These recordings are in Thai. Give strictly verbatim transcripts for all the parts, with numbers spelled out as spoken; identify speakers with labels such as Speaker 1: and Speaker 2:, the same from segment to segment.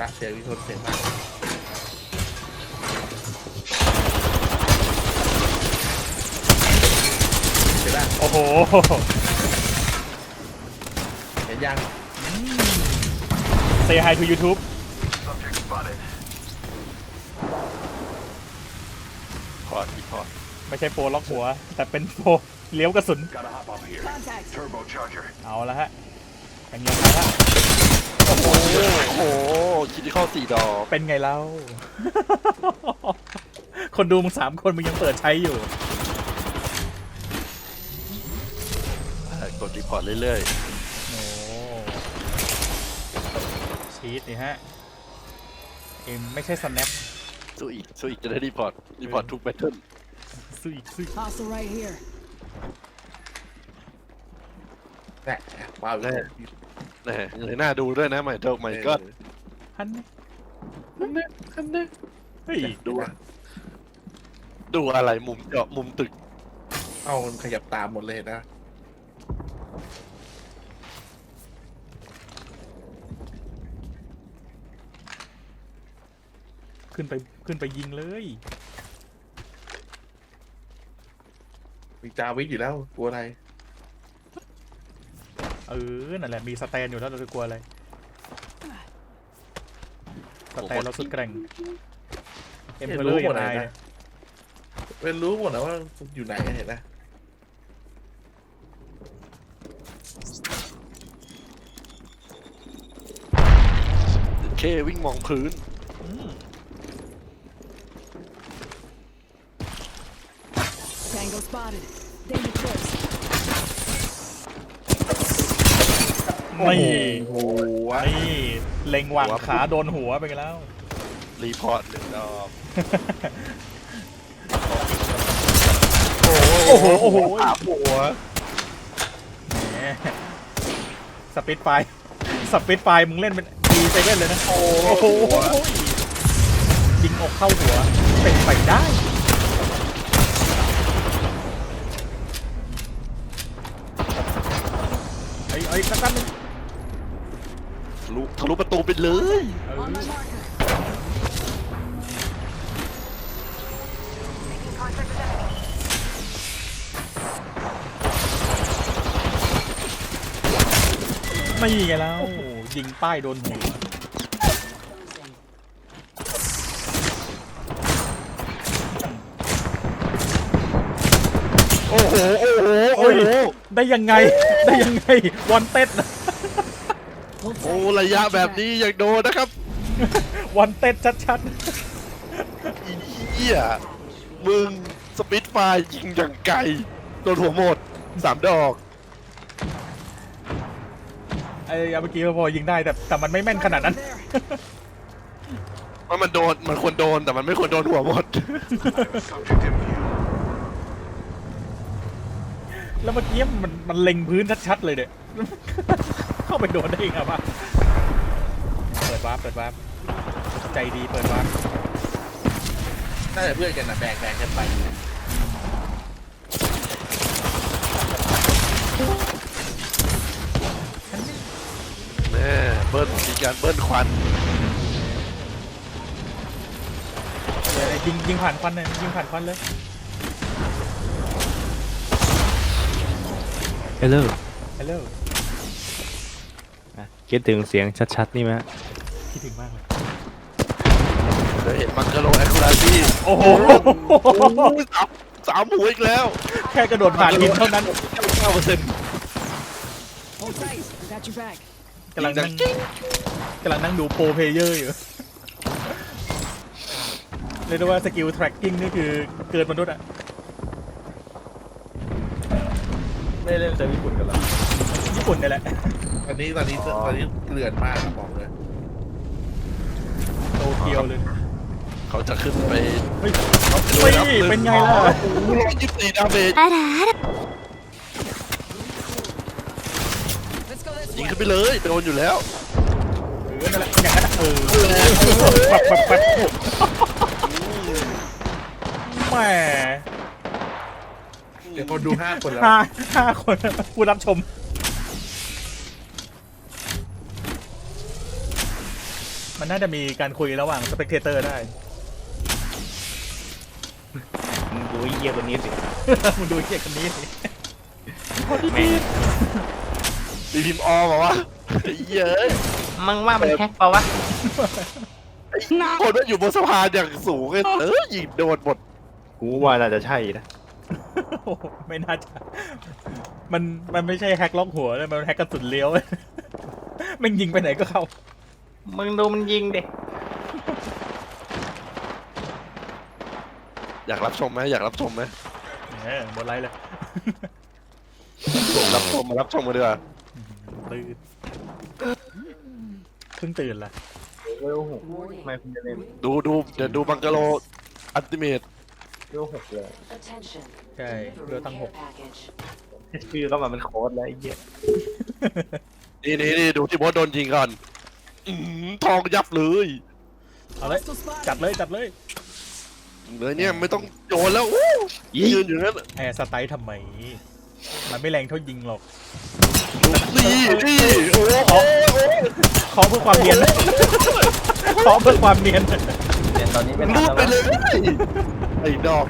Speaker 1: ละเสียงวิทนเสียงมากเห็นป่ะ
Speaker 2: โอ้โห
Speaker 1: เห็นยัง
Speaker 2: Say hi to YouTube
Speaker 3: พอดอีพอด
Speaker 2: ไม่ใช่โปรล็อกหัว แต่เป็นโปรเลี้ยวกระสุน เอาละฮะอย่างเงี้ยครับ
Speaker 3: โอ้โหโอ้โหคิดที่เข้าสี่ดอก
Speaker 2: เป็นไงเล่า คนดูมึงสามคนมึงยังเปิดใช้อยู่
Speaker 3: กดรีพอร์ตเรื่อย
Speaker 2: โอ้ชีตนี่ฮะเอ็มไม่ใช่ snap
Speaker 3: ๆสู้อีกสู้อีกจะได้รีพอร์ตรีพอร์ตทุกแบทเทิล
Speaker 2: ซุยซุย
Speaker 4: Hostile right here.
Speaker 1: แหละว้าว
Speaker 3: แน่แน่เลยน่าดูด้วยนะใหม่เจ้าใหม่ก็
Speaker 2: ฮันนี่
Speaker 3: คันเน่คันเน่
Speaker 2: เฮ้ย
Speaker 3: ดูดูอะไรมุมเจาะมุมตึก
Speaker 1: เอามันขยับตามหมดเลยนะ
Speaker 2: ขึ้นไปขึ้นไปยิงเลย
Speaker 1: มีจาวิทอยู่แล้วกลัวอะไร
Speaker 2: เออนั่นแหละมีสแตนอยู่แล้วเราจะกลัวอะไรสแตนเราสุดแกร่งเอ็มเพลเลอร์อย่างไรเนี่ย
Speaker 1: เป็นรู้หมดนะว่าอยู่ไหนเห็นนะ
Speaker 3: เควิ่งมองพื้น
Speaker 2: อืม
Speaker 4: Tango spotted. Danger close.
Speaker 2: นี่
Speaker 1: โอ้โห
Speaker 2: นี่เล็งหว่างขาโดนหัวไปกันแล้ว
Speaker 3: รีพอร์ตหนึ่งดอก
Speaker 2: โอ้โหโอ้โห
Speaker 3: ถามหัว
Speaker 2: แหมสปิดไฟสปิดไฟมึงเล่นเป็นดีเซเว่นเลยนะโอ้โหยิงอกเข้าหัวเป็นไปได้ไอ้ไอ้สักตั้งนึง
Speaker 3: ทะลุทะลุประตูไปเลย
Speaker 2: เออ
Speaker 4: On my marker.
Speaker 2: ไม่ไงแล้วยิงป้ายโดนหัว
Speaker 3: โอ้โหโอ้โหโอ้
Speaker 2: โอ้ย
Speaker 3: โห
Speaker 2: ได้ยังไงได้ยังไงวันเต็ด
Speaker 4: Hold
Speaker 3: โอ้
Speaker 4: tight.
Speaker 3: ระยะแบบนี้ยังโดนนะครับ
Speaker 2: วันเต็ดชัด
Speaker 3: อีเหี้ยมึงสปิดไฟยิงอย่างไกลโดนหัวหมดสามดอก
Speaker 2: ๆไอ้เมื่อกี้พอยิงได้แต่แต่มันไม่แม่นขนาดนั้น
Speaker 4: There.
Speaker 3: ว่ามันโดนมันควรโดนแต่มันไม่ควรโดนหัวหมด
Speaker 2: แล้วเมื่อกี้มันมันเล็งพื้นชัดๆเลยเนี่ย เข้าไปโดนได้ยังไงวะเปิดวาร์ปเปิดวาร์ปใจดีเปิดวาร์ป
Speaker 1: น่าจะเพื่อนกันนะแบ่งแบ่งกันไป
Speaker 3: แม่เบิ้ลมีการเบิ้ลควัน
Speaker 2: เดี๋ยวยิงยิงผ่านควันเลยยิงผ่านควันเลย
Speaker 5: ฮัลโหล
Speaker 2: ฮัลโหล
Speaker 5: คิดถึงเสียงชัดๆนี่ไหมฮะ
Speaker 2: คิดถึงมากเลย
Speaker 3: เดี๋ยวเห็นบังเกอร์โลแอคคูราซี่
Speaker 2: โอ้โห
Speaker 3: สามสามหัวอีกแล้ว
Speaker 2: แค่กระโดดผ่านหินเท่านั้น
Speaker 3: เก้าเปอร์เซ็นต์
Speaker 4: Hold tight. I got your back.
Speaker 2: กำลังนั่งกำลังนั่งดูโปรเพลเยอร์อยู่เรียกได้ว่าสกิล tracking นี่คือเกินมนุษย์อะ
Speaker 5: ไม่เล่นเซิร์ฟญี่ปุ่นกันหรอ
Speaker 2: ญี่ปุ่นนี่แหละ
Speaker 1: ตอนนี้ตอนนี้ตอนนี้เกลื่อนมากนะบอกเลย
Speaker 2: โตเกียวเลย
Speaker 3: เขาจะขึ้นไป
Speaker 2: เฮ้ยเฮ้ยเป็นไงล่ะ
Speaker 3: โอ้โหร้อยยี่สิบสี่ดาเมจ
Speaker 4: Let's go this
Speaker 3: ยิง
Speaker 4: way.
Speaker 3: ขึ้นไปเลยโดนอยู่แล้ว
Speaker 2: เออนั่นแหละอย่างนั้นอะเออแบบแบบแบบแหม
Speaker 1: เดี๋ยวคนดูห้าคนแล้ว
Speaker 2: ห้าห้าคนผู้รับชมมันน่าจะมีการคุยระหว่างสเปกเตอร์ได้
Speaker 5: มึงดูไอ้เหี้ยคนนี้สิ
Speaker 2: มึงดูไอ้เหี้ยคนนี้สิ
Speaker 5: แม่ง
Speaker 3: มีพิมพ์ออมบอกว่าไอ้เหี้ยเอ้ย
Speaker 5: มึงว่ามันแฮกเปล่าวะ
Speaker 3: ไอ้คนมันอยู่บนสะพานอย่างสูงเลยเออยิงโดนหมด
Speaker 5: กูว่าน่าจะใช่นะ
Speaker 2: โอ้โหไม่น่าจะมันมันไม่ใช่แฮกล็อกหัวเลยมันแฮกกระสุนเลี้ยว แม่งยิงไปไหนก็เข้า
Speaker 5: มึงดูมันยิงดิ
Speaker 3: อยากรับชมไหมอยากรับชมไหม
Speaker 2: เออบนไลน์เลย
Speaker 3: รับชมมารับชมกันดีกว่า
Speaker 2: ตื่นเพิ่งตื่นละ
Speaker 5: เวลหกไม่คุณจะเล่น
Speaker 3: ดูดูเดี๋ยวดูบังกะโลอัลติเมท
Speaker 5: เวลหกเลย
Speaker 6: Attention.
Speaker 2: ใช่เรือตั้งหก
Speaker 6: Package.
Speaker 5: ชื่อก็มาเป็นโค้ดแล้วไอ้เหี้ย
Speaker 3: นี่นี่นี่ดูที่บอสโดนยิงก่อนอื้อหือทองยับเลย
Speaker 2: เอาเลย
Speaker 4: Hostile spotted.
Speaker 2: จัดเลยจัดเลย
Speaker 3: เลยเนี่ยไม่ต้องโยนแล้วอู้ยืนอยู่นั่น
Speaker 2: แอร์สไตล์ทำไม มันไม่แรงเท่ายิงหรอก
Speaker 3: นี่นี่โอ้โห
Speaker 2: ขอเพื่อความเนียน ขอเพื่อความเนียน
Speaker 5: เดี๋ยวตอนนี้เป็น
Speaker 3: รูดไปเลยไอ้ดอก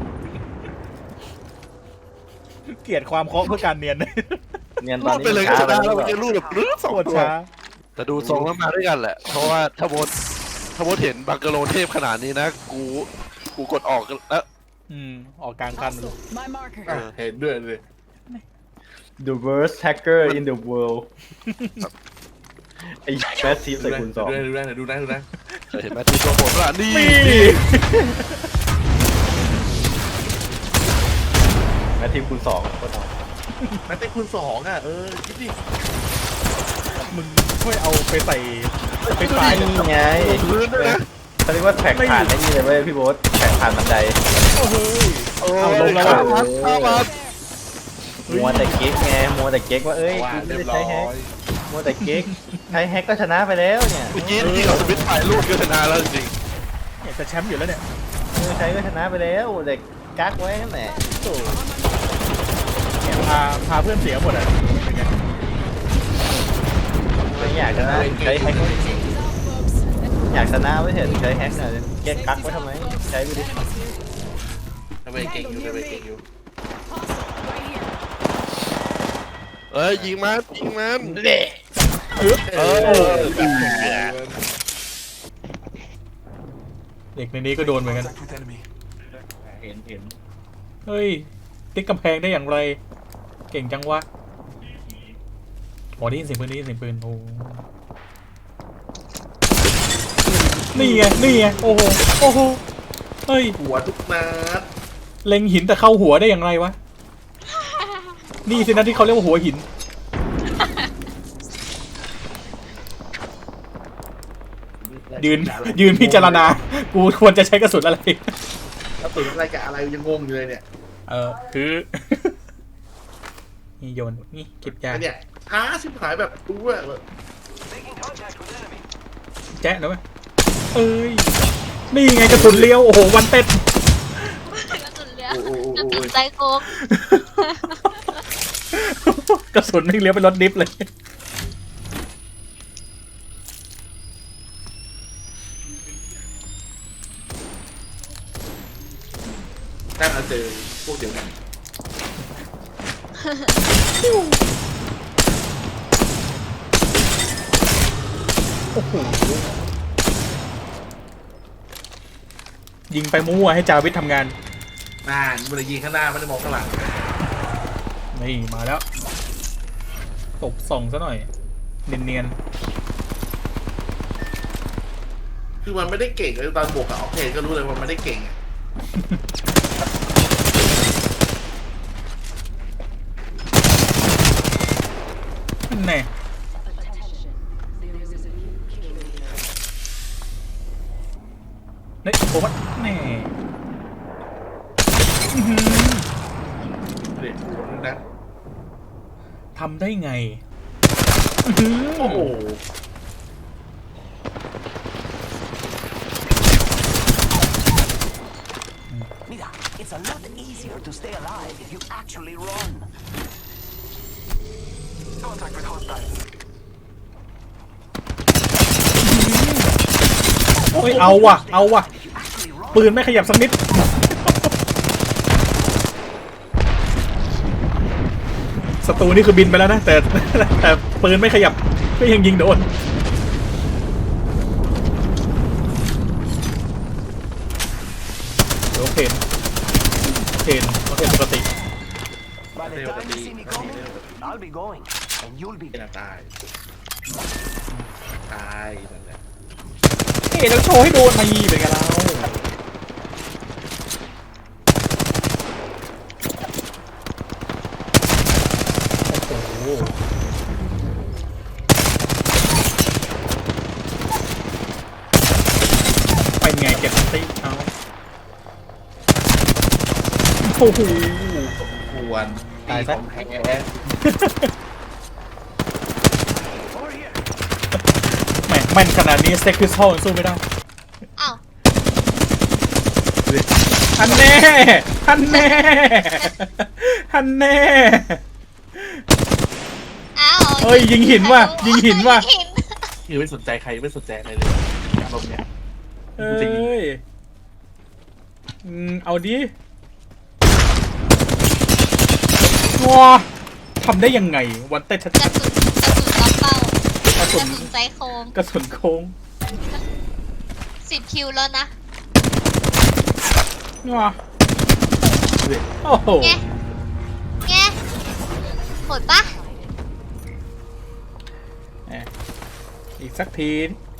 Speaker 2: เกลียดความเคาะเพื่อการเนียน
Speaker 5: เนียนต
Speaker 3: รู
Speaker 5: อน
Speaker 3: ด
Speaker 5: นี้
Speaker 3: ไปเลย
Speaker 5: ช้า
Speaker 3: ก็
Speaker 5: แล้
Speaker 3: ได้
Speaker 5: ว
Speaker 3: แล้วมันจะรูดแบบรื้อสอง
Speaker 2: ปวด
Speaker 3: ตัว
Speaker 2: ช้า
Speaker 3: แต่ดูทรงแล้วมาด้วยกันแหละ เพราะว่าถ้าโบสถ้าโบสเห็นบังกะโลเทพขนาดนี้นะ กูกูกดออกแล้ว
Speaker 2: อืม ออกกลางคันเลย
Speaker 4: Hostile. My marker.
Speaker 1: อ่ะเห็นด้วยเลย
Speaker 5: The worst hacker in the world ไอ้แมสซีฟ
Speaker 1: ดู
Speaker 5: ใส่
Speaker 1: นะ
Speaker 5: คูณสอง
Speaker 1: ดูนะดูนะดูนะ
Speaker 3: เห็นไหมที่ตัวผมละนี่
Speaker 2: มี
Speaker 5: แมสทีมคูณสองก็ท
Speaker 1: แม็กเต้คูณสองอ่ะเออคิดดิ
Speaker 2: มึงช่วยเอาไปใส่ไป
Speaker 5: ำ
Speaker 2: ไฟล์
Speaker 5: นี่ไง
Speaker 3: พื้นด้วยนะ
Speaker 5: เขาเรียกว่าแท็กผ่านไอ้นี่เลยเว้ยพี่โบ๊ทแท็กผ่านบันได
Speaker 2: โอ้โห
Speaker 3: โอ้
Speaker 2: เอา
Speaker 3: ย
Speaker 2: ลงแล้ว
Speaker 3: ข้า
Speaker 2: อะ
Speaker 3: มันข้ามัน
Speaker 5: มัวแต่เก๊กไงมัวแต่เก๊กว่าเอ้ย
Speaker 1: ว่า
Speaker 5: กูไม่
Speaker 1: เรียบ
Speaker 5: ได้
Speaker 1: ร้อ
Speaker 5: ใช้แฮก
Speaker 1: ย
Speaker 5: มัวแต่เก๊กใช้แฮกก็ชนะไปแล้วเนี่ย
Speaker 3: เมื่อกี้ที่เราสวิตช์ไฟลูดก็ชนะแล้วจริง
Speaker 2: เนี่ยจะแชมป์อยู่แล้วเนี่ย
Speaker 5: เออใช้ก็ชนะไปแล้วเด็กกักไว้นั่นแหละ
Speaker 2: โอ้เนี่ยพาพาเพื่อนเสียหมดอ่ะเป็นไง
Speaker 5: ไม่อยากชนะใช้แฮก
Speaker 4: Take these off, folks.
Speaker 5: อยากชนะไม่เห็นใช้แฮกหน่อยแกกักไว้ทำไมใช้ไปดิ
Speaker 1: ทำไมเก่งอยู่ทำไมเก่งอยู่
Speaker 4: Hostile. Right here.
Speaker 3: เอ้ยยิงมันยิงมัน
Speaker 1: เออ
Speaker 2: เด็กในนี้ก็โดนเหมือนกัน
Speaker 5: เห็นเห็น
Speaker 2: เฮ้ย ติ๊กกำแพงได้อย่างไร เก่งจังวะโอ้ได้ยินเสียงปืนได้ยินเสียงปืนโอ้นี่ไง นี่ไง โอ้โห โอ้โห เฮ้ย
Speaker 1: หัวทุกนัด
Speaker 2: เล็งหินแต่เข้าหัวได้อย่างไรวะ นี่สินะที่เขาเรียกว่าหัวหิน ยืน ยืนพิจารณา กูควรจะใช้กระสุนอะไร
Speaker 1: แล้วตื่นอะไรกับอะไรยังงงอยู่เลยเนี่ย
Speaker 2: เออ คือ นี่โยน นี่เก็บยา
Speaker 1: อันเนี่ยช้าชิบหายแบบรู้ว่าแบบ
Speaker 2: แจ๊ะเดี๋ยวไหมเอ้ย นี่ไงกระสุนเลี้ยว โอ้โห วันเต็ด
Speaker 7: กระสุนเลี้ยว
Speaker 1: โอ้โห
Speaker 7: กระ
Speaker 1: โอ้
Speaker 7: สุ
Speaker 1: โห
Speaker 7: นไซโคก
Speaker 2: กระสุนไม่งเลี้ยวเป็นรถดิฟเลย
Speaker 1: ถ้าเราเจอพวกเดียวกัน
Speaker 2: ยิงไปมั่วๆให้จาวิททำงาน
Speaker 1: น่ามันเลยยิงข้างหน้าไม่ได้มองข้างหลัง
Speaker 2: นี่มาแล้ว ตบส่องซะหน่อย เนียน
Speaker 1: คือมันไม่ได้เก่งเลยตอนบวกกับออกเทนก็รู้เลยว่ามันไม่ได้เก่งอะ
Speaker 2: ๆนั่นแน่ นี่โอ้ยแน่อื้อหือ
Speaker 1: เด็กหัวนึงนะ
Speaker 2: ทำได้ไงอื้อหือ
Speaker 1: โอ้โห
Speaker 8: Mira, it's a lot easier to stay alive if you actually run. Contact with hostile.
Speaker 2: โอ้ยเอาว่ะเอาว่ะปืนไม่ขยับสักนิดศัตรูนี่คือบินไปแล้วนะแต่แต่ปืนไม่ขยับก็ยังยิงโดนโอเคโอเคโอเคปกติ
Speaker 8: By the time you see me coming, I'll be going, and you'll be
Speaker 1: เป็นตายตายนั่นแหละ
Speaker 2: เอ๊ะเราโชว์ให้โดนมายีเป็นกันเราโอ้โหไปไงเก็บติ๊กเอาโอ้โห
Speaker 1: ควร
Speaker 2: ตายซะ
Speaker 1: ของแท้
Speaker 2: แหม่แม่นขนาดนี้สเต็กพิสโตลสู้ไม่ได้
Speaker 7: อ้าว
Speaker 2: ฮันแน่ฮันแน่ฮันแน่
Speaker 7: อ้าว
Speaker 2: เอ้ยยิงหินว่ะยิงหินว่ะ
Speaker 7: ยิงหิน
Speaker 1: คือไม่สนใจใครไม่สนใจอะไรเลยอารมณ์เนี้ย
Speaker 2: เอ้ยอืมเอาดิว้าทำได้ยังไงวันเต้ชัด
Speaker 7: กระสุนกระสุนล็อกเป้าก
Speaker 2: ๆกระสุน
Speaker 7: ระสุนใจโคม
Speaker 2: กระสุนโค้ง
Speaker 7: สิบคิวแล้วนะ
Speaker 2: ว้าโอ้โห
Speaker 7: ไงไงโหดปะ
Speaker 2: แหมอีกสักที